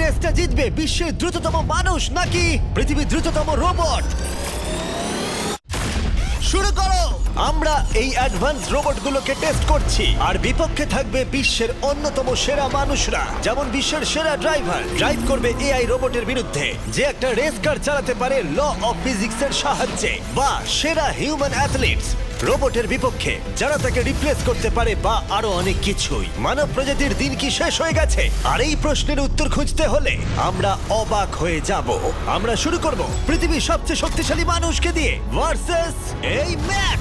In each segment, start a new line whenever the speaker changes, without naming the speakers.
রেসটা জিতবে বিশ্বের দ্রুততম মানুষ নাকি পৃথিবীর দ্রুততম রোবট? শুরু করো। আমরা এই অ্যাডভান্স রোবটগুলোকে টেস্ট করছি আর বিপক্ষে থাকবে বিশ্বের অন্যতম সেরা মানুষরা, যেমন বিশ্বের সেরা ড্রাইভার ড্রাইভ করবে এআই রোবটের বিরুদ্ধে যে একটা রেস কার চালাতে পারে ল অফ ফিজিক্সের সাহায্যে, বা সেরা হিউম্যান অ্যাথলিটস রোবটের বিপক্ষে যারা তাকে রিপ্লেস করতে পারে, বা আরো অনেক কিছুই। মানব প্রজাতির দিন কি শেষ হয়ে গেছে? আর এই প্রশ্নের উত্তর খুঁজতে হলে আমরা অবাক হয়ে যাব। আমরা শুরু করব পৃথিবীর সবচেয়ে শক্তিশালী মানুষকে দিয়ে ভার্সেস এই ম্যাক।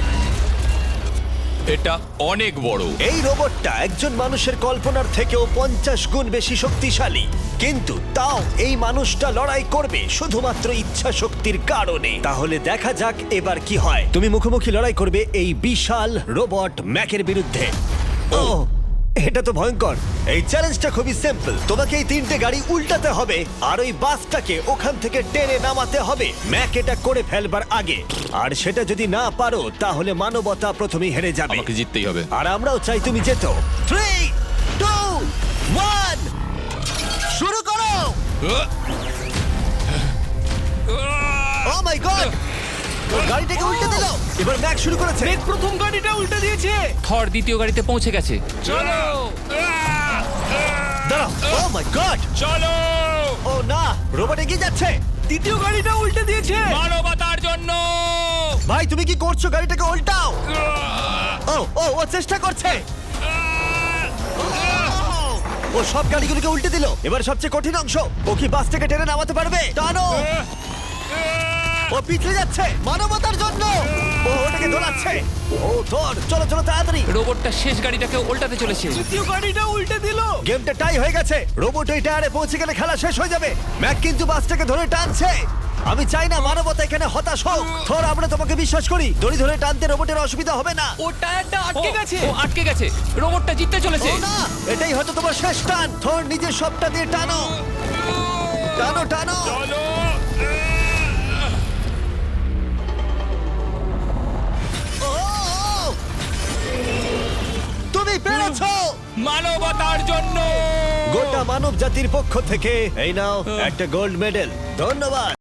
এটা অনেক বড়।
এই রোবটটা একজন মানুষের কল্পনার থেকেও 50 গুণ বেশি শক্তিশালী, কিন্তু তাও এই মানুষটা লড়াই করবে শুধুমাত্র ইচ্ছা শক্তির কারণে। তাহলে দেখা যাক এবার কি হয়। তুমি মুখোমুখি লড়াই করবে এই বিশাল রোবট ম্যাকের বিরুদ্ধে। ও, এটা তো ভয়ঙ্কর। এই চ্যালেঞ্জটা খুবই সিম্পল। তোমাকে এই 3টে গাড়ি উল্টাতে হবে আর ওই বাসটাকে ওখান থেকে টেনে নামাতে হবে ম্যাক এটা করে ফেলবার আগে। আর সেটা যদি না পারো তাহলে মানবতা প্রথমেই হেরে যাবে।
আমাকে জিততেই হবে।
আর আমরাও চাই তুমি যেতো। 3, 2, 1 শুরু করো। ও মাই গড, গাড়িটাকে উল্টে দিল। এবার ম্যাক শুরু করেছে।
প্রথম গাড়িটা উল্টে দিয়েছে।
থর দ্বিতীয় গাড়িতে পৌঁছে গেছে।
চলো
দাঁড়াও। ও মাই গড,
চলো
ও না, রোবট এগিয়ে যাচ্ছে।
দ্বিতীয় গাড়িটা উল্টে দিয়েছে।
মানবতার জন্য।
ভাই তুমি কি করছো? গাড়িটাকে উল্টাও। ও ও ও চেষ্টা করছে। ও সব গাড়িগুলোকে উল্টে দিল। এবার সবচেয়ে কঠিন অংশ, ও কি বাসটাকে টেনে নামাতে পারবে? টানো। ও পিছলে যাচ্ছে মানবতার জন্য। ও ওটাকে দোলাচ্ছে। ও ধর, চলো চলো তাড়াতাড়ি।
রোবটটা শেষ গাড়িটাকে উল্টাতে চলেছে।
তৃতীয় গাড়িটা উল্টে দিল।
গেমটা টাই হয়ে গেছে। রোবট ওই টায়ারে পৌঁছে গেলে খেলা শেষ হয়ে যাবে। ম্যাক কিন্তু বাসটাকে ধরে টানছে। আমি চাই না মানবতা এখানে হতাশ হোক। থর, আমরা তোমাকে বিশ্বাস করি। দড়ি ধরে টানতে রোবটের অসুবিধা হবে না।
ও টায়ারটা আটকে গেছে।
ও আটকে গেছে। রোবটটা জিততে চলেছে।
ও না, এটাই হয়তো তোমার শেষ টান। থর নিজের সবটা দিয়ে টানো, টানো টানো।
চলো
ও, ও, তুমি পেরেছো।
মানবতার জন্য।
গোটা মানব জাতির পক্ষ থেকে এই নাও একটা গোল্ড মেডেল। ধন্যবাদ।